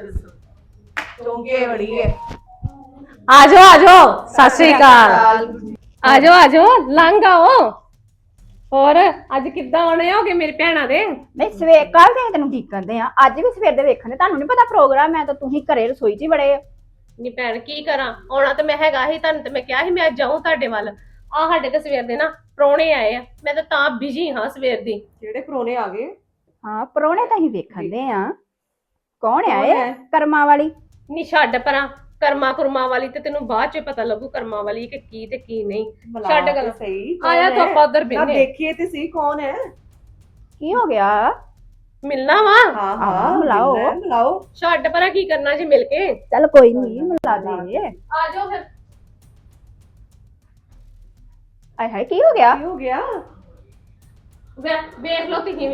Speaker 4: ਚੌਂਕੇ ਵੜੀ ਹੈ।
Speaker 2: ਆਜੋ ਆਜੋ, ਸਤਿ ਸ੍ਰੀ ਅਕਾਲ। ਆਜੋ ਆਜੋ, ਲੰਘ ਆਓ। ਹੋਰ ਅੱਜ ਕਿੱਦਾਂ ਆਉਣੇ ਹੋਗੇ ਮੇਰੇ ਭੈਣਾਂ ਦੇ?
Speaker 6: ਨਹੀਂ ਸਵੇਰ ਕੱਲ ਦੇ ਤੈਨੂੰ ਡੀਕਣਦੇ ਆ, ਅੱਜ ਵੀ ਸਵੇਰ ਦੇ ਵੇਖਣ ਦੇ। ਤੁਹਾਨੂੰ ਨਹੀਂ ਪਤਾ ਪ੍ਰੋਗਰਾਮ ਹੈ ਤਾਂ ਤੁਸੀਂ ਘਰੇ ਰਸੋਈ 'ਚ ਹੀ ਬੜੇ ਆ।
Speaker 2: ਨੀ ਭੈਣ ਕੀ ਕਰਾਂ, ਆਉਣਾ ਤਾਂ ਮੈਂ ਹੈਗਾ ਹੀ। ਤੁਹਾਨੂੰ ਤੇ ਮੈਂ ਕਿਹਾ ਸੀ ਮੈਂ ਜਾਊਂ ਤੁਹਾਡੇ ਵੱਲ। ਆ ਸਾਡੇ ਤੇ ਸਵੇਰ ਦੇ ਨਾ ਪ੍ਰਾਹੁਣੇ ਆਏ ਆ, ਮੈਂ ਤਾਂ ਤਾਂ ਬਿਜੀ ਹਾਂ ਸਵੇਰ ਦੀ।
Speaker 4: ਜਿਹੜੇ ਪਰੋਣੇ ਆ ਗਏ?
Speaker 6: ਹਾਂ ਪ੍ਰਾਹੁਣੇ ਤਾਂ ਹੀ ਵੇਖਣ ਦੇ ਆ। ਕੌਣ ਆਏ? ਕਰਮਾਂ ਵਾਲੀ।
Speaker 2: ਨੀ ਛੱਡ ਪਰਾਂ, ਕਰਮਾ ਕੁਰਮਾ ਵਾਲੀ ਤੇ ਤੈਨੂੰ ਬਾਅਦ ਚ ਪਤਾ ਲੱਗੂ ਕਰਮਾ ਵਾਲੀ ਕਿ ਕੀ ਤੇ ਕੀ ਨਹੀਂ। ਛੱਡ ਗੱਲ
Speaker 4: ਸਹੀ।
Speaker 2: ਆਇਆ ਤਾਂ ਆਪਾਂ ਉਧਰ ਬਿੰਨੇ
Speaker 4: ਦੇਖੀਏ ਤੇ ਸੀ ਕੌਣ ਹੈ।
Speaker 6: ਕੀ ਹੋ ਗਿਆ?
Speaker 2: ਮਿਲਣਾ ਵਾ।
Speaker 4: ਹਾਂ
Speaker 6: ਹਾਂ, ਮਿਲਾਓ।
Speaker 4: ਮਿਲਾਓ।
Speaker 2: ਛੱਡ ਪਰਾਂ, ਕੀ ਕਰਨਾ ਜੀ ਮਿਲ ਕੇ।
Speaker 6: ਚੱਲ ਕੋਈ ਨਹੀਂ ਮਿਲਾ ਦੇ।
Speaker 2: ਆ ਜਾਓ ਫਿਰ।
Speaker 6: ਆਏ ਹਾਏ ਕੀ ਹੋ ਗਿਆ?
Speaker 4: ਕੀ ਹੋ ਗਿਆ?
Speaker 2: ਵੇ- ਵੇਖ ਲਓ ਤੁਸੀਂ ਵੀ।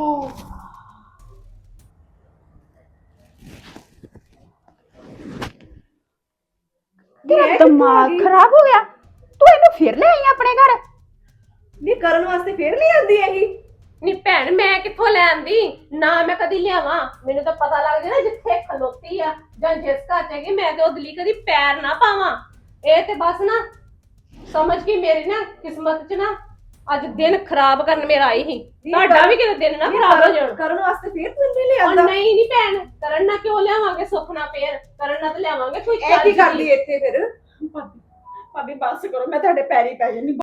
Speaker 6: ਤੇਰਾ ਦਿਮਾਗ ਖਰਾਬ ਹੋ ਗਿਆ? ਤੂੰ ਇਹਨੂੰ ਫਿਰ ਲੈ ਆਈ ਆਪਣੇ ਘਰ?
Speaker 4: ਨਹੀਂ ਕਰਨ ਵਾਸਤੇ ਫੇਰ ਨਹੀਂ ਆਂਦੀ ਇਹੀ?
Speaker 2: ਨੀ ਭੈਣ ਮੈਂ ਕਿੱਥੋਂ ਲੈ ਆਂਦੀ? ਨਾ ਮੈਂ ਕਦੀ ਲਿਆਵਾਂ। ਮੈਨੂੰ ਤਾਂ ਪਤਾ ਲੱਗ ਗਿਆ ਨਾ ਜਿੱਥੇ ਖਲੋਤੀ ਆ ਜਾਂ ਜਿਸ ਘਰ ਚ ਹੈਗੀ, ਮੈਂ ਤੇ ਉਹਦੇ ਲਈ ਕਦੀ ਪੈਰ ਨਾ ਪਾਵਾਂ। ਇਹ ਤੇ ਬਸ ਨਾ ਸਮਝ ਕੇ ਮੇਰੀ ਨਾ ਕਿਸਮਤ ਚ ਨਾ ਅੱਜ ਦਿਨ ਖਰਾਬ ਕਰਨ ਮੇਰਾ ਆਈ ਸੀ। ਤੁਹਾਡਾ ਵੀ ਕਿਤੇ ਦਿਨ ਨਾ ਖਰਾਬ ਹੋ ਜਾਣ।
Speaker 4: ਕਰਨ ਵਾਸਤੇ ਫੇਰ ਤੂੰ ਨਹੀਂ ਲੈ
Speaker 2: ਉਹ
Speaker 4: ਆਂਦਾ?
Speaker 2: ਨਹੀਂ ਨਹੀਂ ਭੈਣ, ਕਰਨ ਨਾ ਕਿਉਂ ਲਿਆਵਾਂਗੇ? ਸੁੱਖ ਨਾ ਫੇਰ ਕਰਨ ਨਾ ਤੇ ਲਿਆਵਾਂਗੇ ਕੋਈ
Speaker 4: ਇਹ ਕੀ
Speaker 2: ਚੱਜ ਦੀ।
Speaker 4: ਕਰਦੀ ਇੱਥੇ ਫਿਰ? ਭਾਬੀ ਭਾਬੀ ਬਸ ਕਰੋ, ਮੈਂ ਤੁਹਾਡੇ ਪੈਰੀ ਪੈ ਜਾਨੀ।